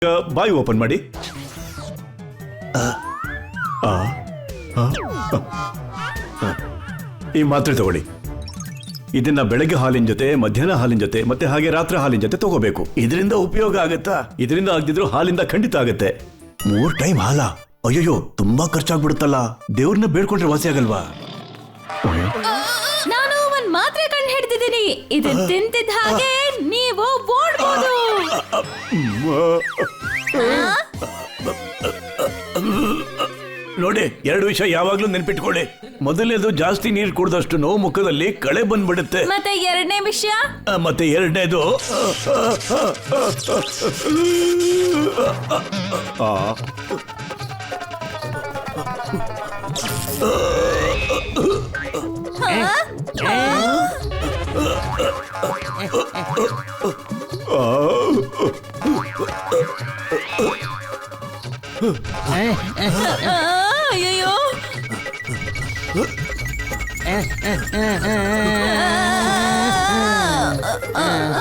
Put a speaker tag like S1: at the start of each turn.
S1: ಬಾಯಿ ಓಪನ್ ಮಾಡಿ. ಈ ಮಾತ್ರೆ ತಗೊಳ್ಳಿ. ಇದನ್ನ ಬೆಳಗ್ಗೆ ಹಾಲಿನ ಜೊತೆ, ಮಧ್ಯಾಹ್ನ ಹಾಲಿನ ಜೊತೆ, ಮತ್ತೆ ಹಾಗೆ ರಾತ್ರಿ ಹಾಲಿನ ಜೊತೆ ತಗೋಬೇಕು. ಇದರಿಂದ ಉಪಯೋಗ ಆಗತ್ತಾ? ಇದರಿಂದ ಆಗದಿದ್ರು ಹಾಲಿಂದ ಖಂಡಿತ ಆಗತ್ತೆ. 3 ಟೈಮ್ ಹಾಲ? ಅಯ್ಯೋ, ತುಂಬಾ ಖರ್ಚಾಗ್ಬಿಡುತ್ತಲ್ಲ. ದೇವ್ರನ್ನ ಬೇಡ್ಕೊಂಡ್ರೆ ವಾಸಿ ಆಗಲ್ವಾ?
S2: ನಾನು ಒಂದ್ ಮಾತ್ರೆ ಕಂಡು ಹಿಡ್ದಿದ್ದೀನಿ. ಇದನ್ನ ತಿಂತಿದ್ದ ಹಾಗೆ ನೀವು ಓಡ್ಬೋದು.
S1: ನೋಡಿ, 2 ವಿಷಯ ಯಾವಾಗ್ಲೂ ನೆನ್ಪಿಟ್ಕೊಳ್ಳಿ. ಮೊದಲನೇದು, ಜಾಸ್ತಿ ನೀರು ಕುಡಿದಷ್ಟು ನೋವು ಮುಖದಲ್ಲಿ ಕಳೆ ಬಂದ್ಬಿಡುತ್ತೆ.
S2: ಮತ್ತೆ 2ನೇ ವಿಷಯ?
S1: ಮತ್ತೆ 2ನೇದು,
S2: ಅಯ್ಯೋ